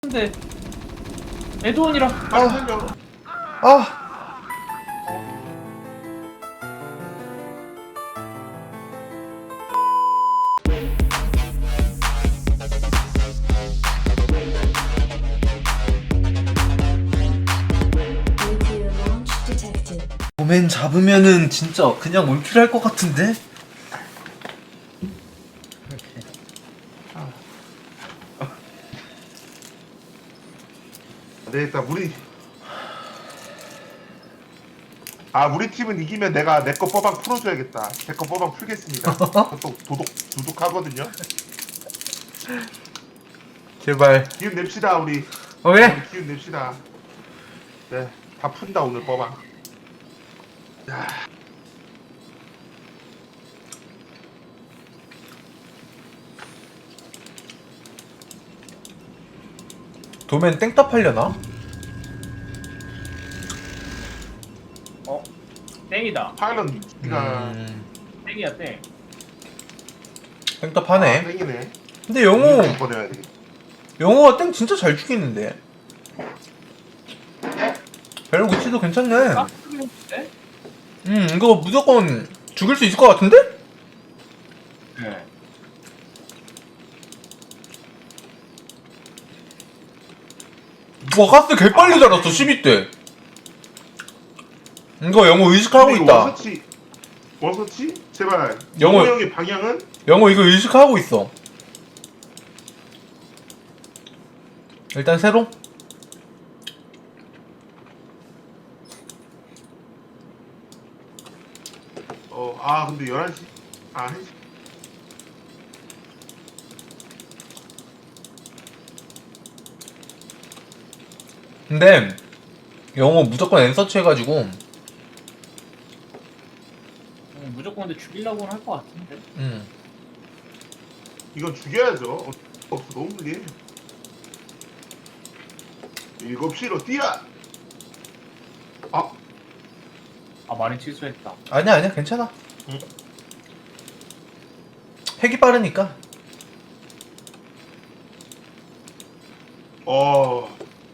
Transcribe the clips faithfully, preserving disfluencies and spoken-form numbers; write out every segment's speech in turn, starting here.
근데 에드원이라 빨리 살려. 아 Nuclear launch detected. 도맨 잡으면은 진짜 그냥 올킬할 것 같은데? 네, 일단 우리 아 우리 팀은 이기면 내가 내 거 뽀방 풀어줘야겠다. 제 거 뽀방 풀겠습니다. 또 도둑 도둑하거든요. 제발. 기운 냅시다 우리. 오케이. 우리 기운 냅시다. 네, 다 푼다 오늘 뽀방. 야. 도맨 땡따 팔려나? 어? 땡이다. 파일럿 니가 음, 땡이야 땡. 땡따 파네. 아, 땡이네. 근데 영호 이거 보내야 돼. 영호가 땡 진짜 잘 죽이는데. 벨 위치도 괜찮네. 깍두기인데? 음 이거 무조건 죽일 수 있을 것 같은데? 네. 와 가스 개빨리 자랐어 십이 대. 이거 영호 의식하고 근데 이거 있다. 원서치 원서치 제발. 영어- 영호 형의 방향은 영호 이거 의식하고 있어. 일단 새로. 어 아 근데 열한 시 아 한 시 근데 영호 무조건 엔서치 해가지고 음, 무조건 근데 죽이려고는 할 것 같은데. 음 이건 죽여야죠. 어, 없어 너무 불리해. 일곱 시로 뛰어. 아 아 많이 취소했다. 아니야 아니야 괜찮아. 응. 핵이 빠르니까. 어.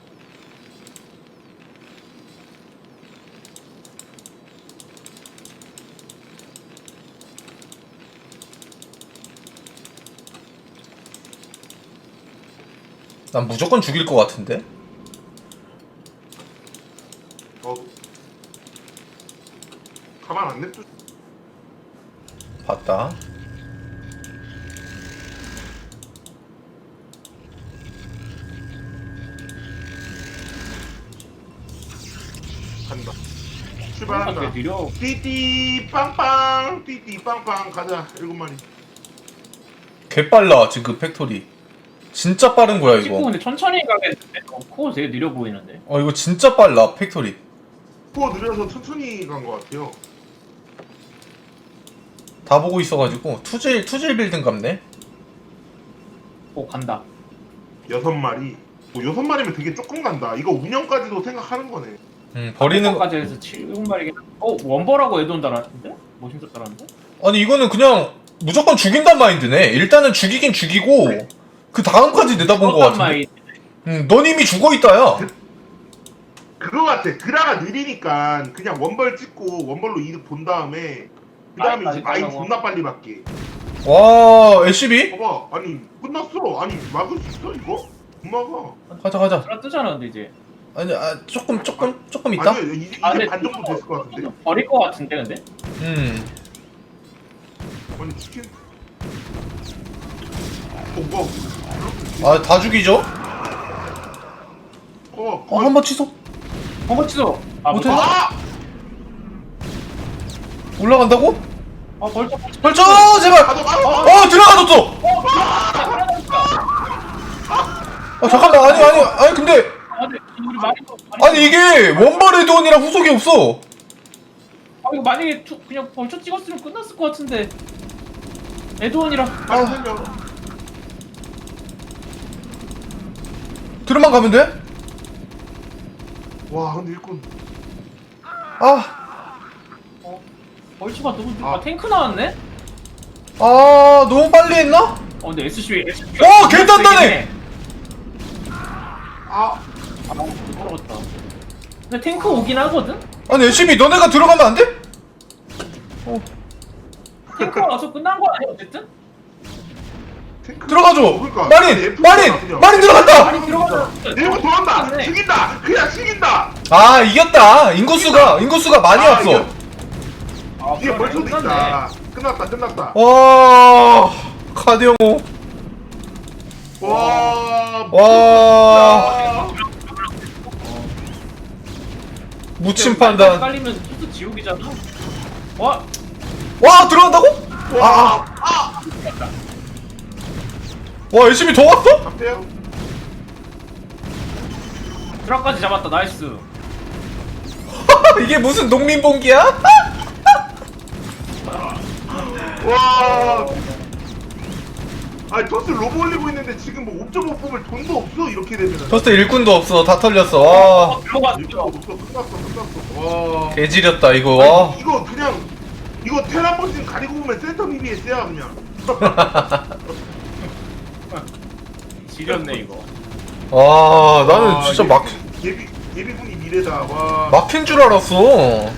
난 무조건 죽일 것 같은데. 어. 가만 안 냅둬. 봤다. 간다. 왜 출발한다. 느려? 띠띠 빵빵 띠띠 빵빵 가자. 일곱 마리. 개빨라 지금 팩토리. 진짜 빠른 거야 찍고 이거. 근데 천천히 가겠는데? 어, 코어 되게 느려 보이는데? 어 이거 진짜 빨라 팩토리. 코어 느려서 천천히 간 것 같아요. 다 보고 있어가지고 투질 투질 빌딩 같네. 오 간다. 여섯 마리. 뭐 여섯 마리면 되게 조금 간다. 이거 운영까지도 생각하는 거네. 음 버리는 거. 까지 해서 칠곱 마리긴. 어 원버라고 에드원 달았는데? 모신석 달았는데? 아니 이거는 그냥 무조건 죽인단 마인드네. 일단은 죽이긴 죽이고 그 다음까지 내다본 거 같은데. 마이. 음, 넌 이미 죽어 있다야. 그거 같아. 그라가 느리니까 그냥 원벌 찍고 원벌로 이득 본 다음에 그 다음에 마인 이제 마인 빨리 존나 빨리 받게. 와 에스비? 봐봐. 아니 끝났어. 아니 막을 수 있어 이거? 못 막아. 가자 가자. 드라 뜨잖아 근데 이제. 아니 아 조금 조금 조금 있다. 아니 이제, 이제 아 근데 반 정도 됐을 것 같은데. 버릴 것 같은데 근데? 음. 아니 치킨. 어 뭐? 아 다 죽이죠? 어. 어 한 번 취소. 한번 치소. 아 못해? 못해? 아! 올라간다고? 아 벌써 벌쳐 제발. 가져 가져. 어 들어가졌어. 아 잠깐만 아니 아니 아니 근데 아 근데 우리 많이 아니 이게 원벌 에드원이랑 후속이 없어. 아 이거 만약에 투, 그냥 벌써 찍었으면 끝났을 것 같은데. 에드원이랑 빨리 살려. 들어만 가면 돼? 와 근데 일꾼. 아, 어, 벌초가 너무 아. 아 탱크 나왔네? 아 너무 빨리 했나? 어 근데 에스씨 에스씨 어, 개 단단해! 아, 아 못 들어갔다. 근데 탱크 오긴 하거든? 아니 에스씨비 너네가 들어가면 안 돼? 탱크가 와서 끝난 거 아니야 어쨌든? 탱크. 들어가줘. 그러니까. 마린! F 마린! 그냥. 마린 들어갔다! 많이 들어가서 내고 돌아온다. 죽인다. 그냥 죽인다. 아 이겼다. 인구수가 인구수가 많이 아, 왔어. 이겨. 아 이게 그러네. 벌써도 끝났네. 있다. 끝났다. 끝났다. 와 카드영호. 와. 와 야. 무침 판단. 깔리면 수도 지옥이잖아. 와 와 들어간다고? 와. 아. 와 에스씨비 더 왔어? 잡대요. 드랍까지 잡았다. 나이스. 이게 무슨 농민봉기야? 와. 아니 토스 로브 올리고 있는데 지금 뭐 옵저버 뽑을 돈도 없어 이렇게 되면은. 저스트 일꾼도 없어. 다 털렸어. 와 들어갔어. 일도 없어. 끝났어. 끝났어. 와. 개지렸다 이거. 와. 아니, 이거 그냥 이거 테라버진 가리고 보면 센터 비비에스야 그냥. 지렸네 이거. 와 나는 와, 진짜 예비- 막 예비 예비군이 미래다. 와. 막힌 줄 알았어.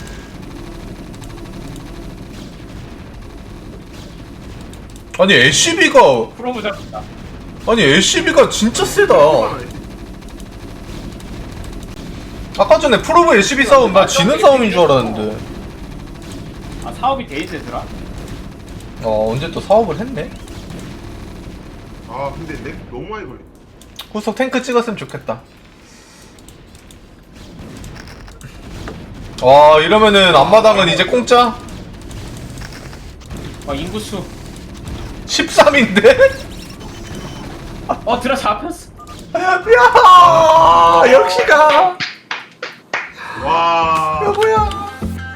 아니 에스씨비가 프로브 잡았다. 아니 에스씨비가 진짜 세다. 아까 전에 프로브 에스씨비 싸움 나 지는 싸움인 줄 알았는데. 아 사업이 데이트더라. 어 언제 또 사업을 했네. 아 근데 렉 너무 많이 걸려. 후속 탱크 찍었으면 좋겠다. 와 이러면은 앞마당은 이제 공짜? 아 인구수. 십삼인데? 어 드랍 잡혔어. 야 역시가 와. 여보야.